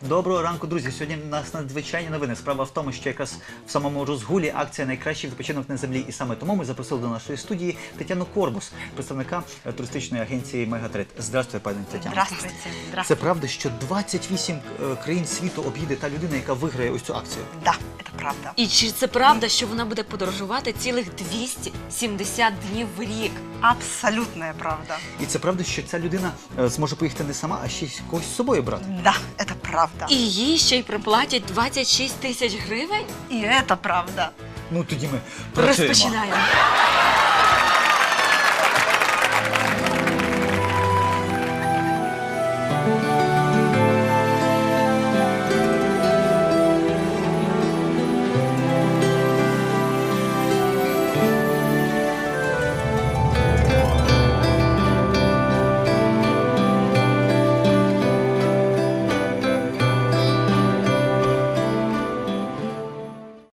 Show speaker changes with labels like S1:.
S1: Доброго ранку, друзі. Сьогодні у нас надзвичайні новини. Справа в тому, що якраз в самому розгулі акція «Найкращий відпочинок на землі». І саме тому ми запросили до нашої студії Тетяну Корбус, представника туристичної агенції «Мегатрит». Здравствуйте, пані Тетяно.
S2: Здравствуйте.
S1: Це правда, що 28 країн світу об'їде та людина, яка виграє ось цю акцію?
S2: Да, это правда.
S3: І чи це правда, що вона буде подорожувати цілих 270 днів в рік?
S2: Абсолютная правда.
S1: І це правда, що ця людина зможе поїхати не сама, а ще й когось з собою брати?
S2: Да, это правда.
S3: І їй ще й приплатять 26 тисяч гривень?
S2: И это правда.
S1: Ну, тоді ми працюємо.
S3: Розпочинаємо.